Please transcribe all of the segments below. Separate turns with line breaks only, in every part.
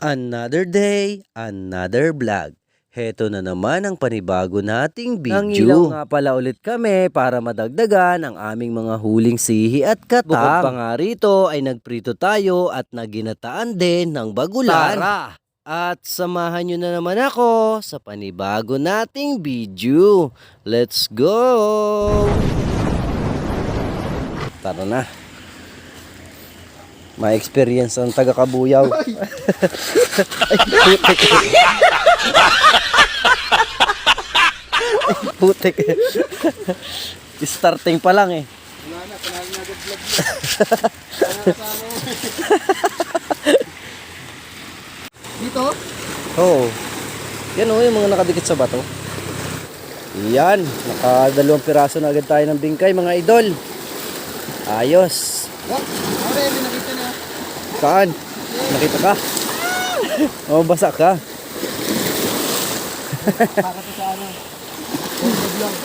Another day, another vlog. Heto na naman ang panibago nating video. Nangilaw nga pala ulit kami para madagdagan ang aming mga huling sihi at katang. Bukod pa nga rito ay nagprito tayo at naginataan din ng bagulan. Tara! At samahan nyo na naman ako sa panibago nating video. Let's go! Tara na. May experience ang taga-Kabuyaw. Ay, putik. Ay, putik. Starting pa lang eh.
Panalo na vlog. Dito?
Oo. Yan o, yung mga nakadikit sa bato. Yan, nakadalawang piraso na agad tayo ng bingkay mga idol. Ayos.
Oh, okay, may nakita na.
Saan? Nakita ka? O, basa ka.
Para to sa ano. Vlog.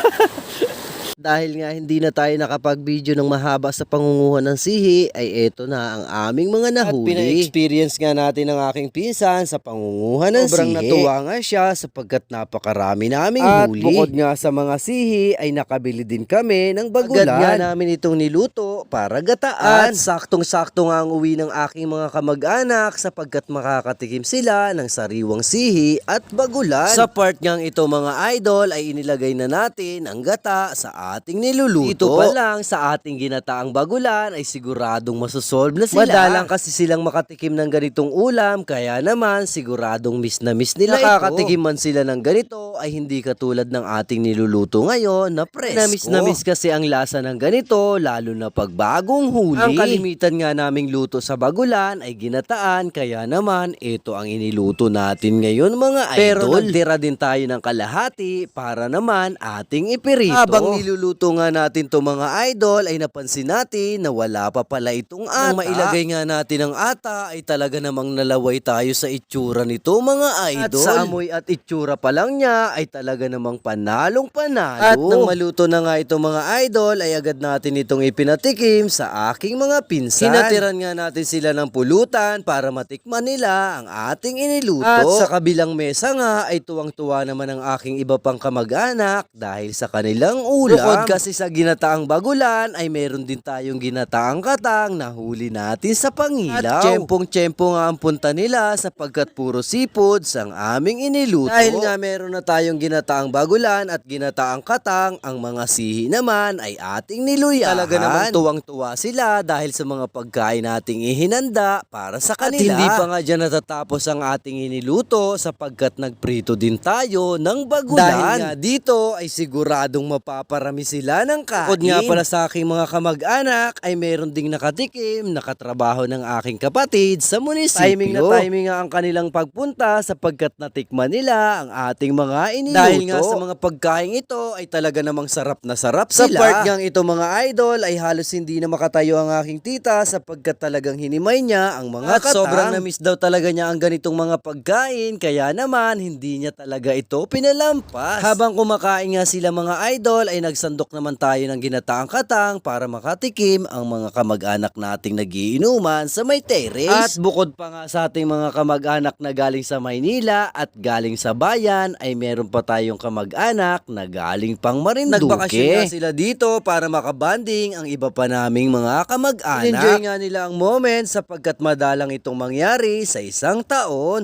Dahil nga hindi na tayo nakapag-video ng mahaba sa pangunguha ng sihi, ay eto na ang aming mga nahuli. At pina-experience nga natin ng aking pinsan sa pangunguha ng
Sobrang
sihi. Natuwa nga siya sapagkat napakarami naming huli. At bukod nga sa mga sihi, ay nakabili din kami ng bagulan. Agad nga namin itong niluto para gataan. At saktong-sakto nga ang uwi ng aking mga kamag-anak sapagkat makakatikim sila ng sariwang sihi at bagulan. Sa part ngang ito mga idol ay inilagay na natin ang gata sa ating niluluto. Ito pa lang sa ating ginataang bagulan ay siguradong masosolve na sila. Madalang kasi silang makatikim ng ganitong ulam kaya naman siguradong miss na miss nila ito. Nakakatikim man sila ng ganito ay hindi katulad ng ating niluluto ngayon na presko. Na miss kasi ang lasa ng ganito lalo na pag bagong huli. Ang kalimitan nga naming luto sa bagulan ay ginataan kaya naman ito ang iniluto natin ngayon mga idol. Pero nagtira din tayo ng kalahati para naman ating ipirito. Habang niluluto nga natin to mga idol ay napansin natin na wala pa pala itong ata. Nang mailagay nga natin ang ata ay talaga namang nalaway tayo sa itsura nito mga idol. At sa amoy at itsura pa lang niya ay talaga namang panalong panalo. At nang maluto na nga itong mga idol ay agad natin itong ipinatikim sa aking mga pinsan. Hinatiran nga natin sila ng pulutan para matikman nila ang ating iniluto. At sa kabilang mesa nga ay tuwang-tuwa naman ang aking iba pang kamag-anak dahil sa kanilang ulam. Bukod kasi sa ginataang bagulan ay meron din tayong ginataang katang na huli natin sa pangilaw. At tiyempong-tiyempo nga ang punta nila sapagkat puro seafoods ang aming iniluto. Dahil nga meron na tayong ginataang bagulan at ginataang katang, ang mga sihi naman ay ating niluyahan. Talaga namang tuwang-tuwa sila dahil sa mga pagkain nating ihinanda para sa kanila. At hindi pa nga dyan natatapos ang ating iniluto sapagkat nagprito din tayo ng bagulan. Dahil nga dito ay siguradong mapaparami sila ng kain. Bukod nga pala sa aking mga kamag-anak ay meron ding nakatikim, nakatrabaho ng aking kapatid sa munisipyo. Timing nga ang kanilang pagpunta sapagkat natikman nila ang ating mga iniluto. Dahil nga sa mga pagkain ito ay talaga namang sarap na sarap sila. Sa part ngang ito mga idol ay halos hindi na makatayo ang aking tita sapagkat talagang hinimay niya ang mga katang. At sobrang na-miss daw talaga niya ang ganitong mga pagkain kaya naman hindi niya talaga ito pinalampas. Habang kumakain nga sila mga idol ay nagsandok naman tayo ng ginataang katang para makatikim ang mga kamag-anak nating nagiinuman sa may terrace. At bukod pa nga sa ating mga kamag-anak na galing sa Maynila at galing sa bayan ay meron pa tayong kamag-anak na galing pang Marinduque. Nagbakasyon nga sila dito para makabanding ang iba pa naming mga kamag-anak. Enjoy nga nila ang moment sapagkat madalang itong mangyari sa isang taon.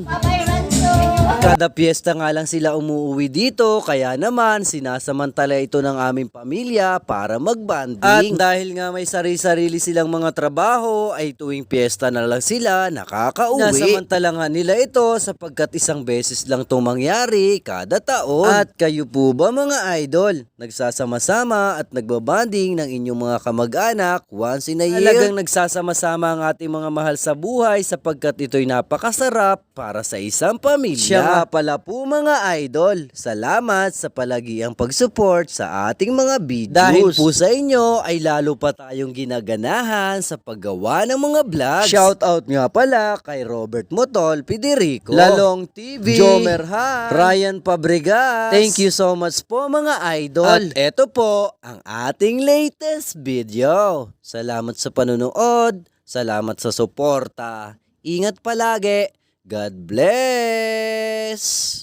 Kada piyesta nga lang sila umuwi dito kaya naman sinasamantala ito ng aming pamilya para magbanding. At dahil nga may sarili-sarili silang mga trabaho ay tuwing piyesta na lang sila nakakauwi. Nasamantala nga nila ito sapagkat isang beses lang itong mangyari kada taon. At kayo po ba mga idol? Nagsasama-sama at nagbabanding ng inyong mga kamag-anak once in a year? Talagang nagsasama-sama ang ating mga mahal sa buhay sapagkat ito'y napakasarap para sa isang pamilya. Siya nga pala po mga idol, salamat sa palagiang pag-support sa ating mga videos. Dahil po sa inyo ay lalo pa tayong ginaganahan sa paggawa ng mga vlogs. Shoutout nga pala kay Robert Motol Federico, Lalong TV, Jomer Ha, Ryan Fabregas. Thank you so much po mga idol. At eto po ang ating latest video. Salamat sa panonood, salamat sa suporta. Ingat palagi. God bless!